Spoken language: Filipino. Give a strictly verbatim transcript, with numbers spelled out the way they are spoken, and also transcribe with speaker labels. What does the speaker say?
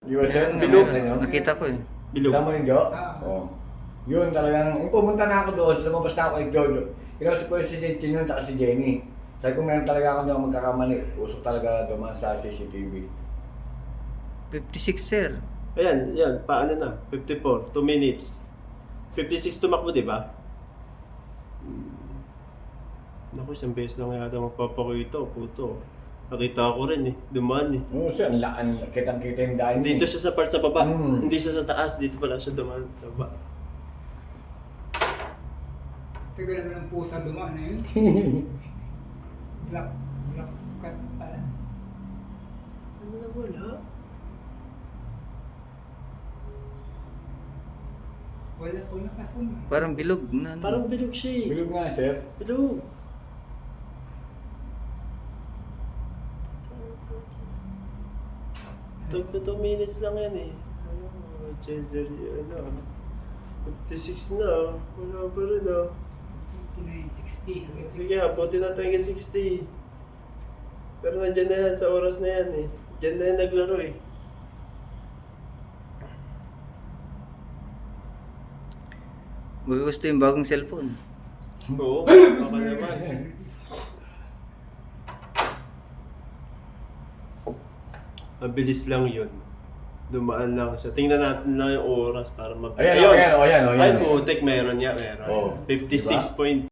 Speaker 1: Di ba sir?
Speaker 2: Ayun nga,
Speaker 1: Bilog.
Speaker 2: meron. Nakita ko eh.
Speaker 3: Bilog.
Speaker 1: Alam mo rin, Jo?
Speaker 4: Ah.
Speaker 1: Oo. Yun talagang, yung pumunta na ako doon, lumabas na ako kay Jojo. Kaya si President yun at si Jenny. Sabi ko meron talaga ako na magkakamali. Usok talaga dumaan sa C C T V.
Speaker 2: fifty-six sir.
Speaker 3: Ayan, yan. Paano na? fifty-four. two minutes. fifty-six tumakbo, di ba? Hmm. Naku, isang beses lang yata magpapakita. Puto. Nakita ko rin eh. Dumaan eh.
Speaker 1: Oo sir, ang laan, kitang-kita yung daan niya.
Speaker 3: Dito siya sa part sa baba.
Speaker 1: Mm.
Speaker 3: Hindi siya sa taas. Dito pala siya dumaan sa baba.
Speaker 4: Tagal naman ng pusa dumaan na yun. Black, black cat pala.
Speaker 3: Ano na wala?
Speaker 4: Wala po nakasun.
Speaker 2: Parang bilog na. ano.
Speaker 3: Parang bilog siya eh.
Speaker 1: Bilog nga sir.
Speaker 3: Bilog. Tag two minutes lang yan eh. Ano, Cesar, ano, fifty-six na. Wala pa rin ah.
Speaker 4: fifty-nine, sixty.
Speaker 3: Sige nga, buti natin hanggang sixty. Pero nandyan na yan, sa oras na yan eh. Diyan na yan naglaro eh.
Speaker 2: Gusto yung bagong cellphone.
Speaker 3: Oo, baka naman. Mabilis lang yun. Dumaan lang siya. Tingnan natin lang yung oras para mabilis.
Speaker 1: Ayan, oh, ayan, oh, ayan, oh,
Speaker 3: Ay,
Speaker 1: ayan.
Speaker 3: putik, meron niya, meron.
Speaker 1: Oh,
Speaker 3: fifty-six point